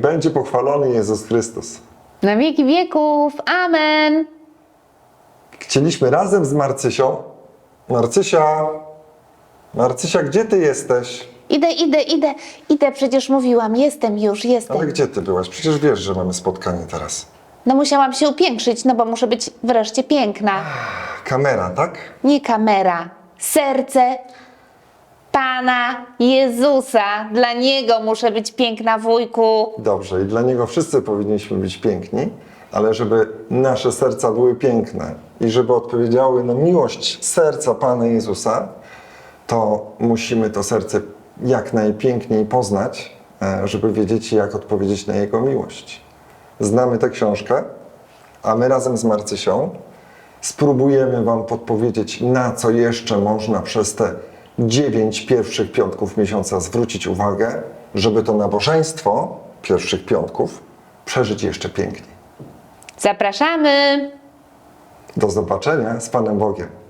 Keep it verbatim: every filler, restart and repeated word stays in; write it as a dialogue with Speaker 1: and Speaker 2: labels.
Speaker 1: będzie pochwalony Jezus Chrystus.
Speaker 2: Na wieki wieków. Amen.
Speaker 1: Chcieliśmy razem z Marcysią. Marcysia, Marcysia, gdzie ty jesteś?
Speaker 2: Idę, idę, idę, idę, przecież mówiłam, jestem już, jestem.
Speaker 1: Ale gdzie ty byłaś? Przecież wiesz, że mamy spotkanie teraz.
Speaker 2: No musiałam się upiększyć, no bo muszę być wreszcie piękna.
Speaker 1: Kamera, tak?
Speaker 2: Nie kamera, serce Pana Jezusa. Dla Niego muszę być piękna, wujku.
Speaker 1: Dobrze, i dla Niego wszyscy powinniśmy być piękni, ale żeby nasze serca były piękne i żeby odpowiedziały na miłość serca Pana Jezusa, to musimy to serce jak najpiękniej poznać, e, żeby wiedzieć, jak odpowiedzieć na Jego miłość. Znamy tę książkę, a my razem z Marcysią spróbujemy Wam podpowiedzieć, na co jeszcze można przez te dziewięć pierwszych piątków miesiąca zwrócić uwagę, żeby to nabożeństwo pierwszych piątków przeżyć jeszcze piękniej.
Speaker 2: Zapraszamy.
Speaker 1: Do zobaczenia z Panem Bogiem.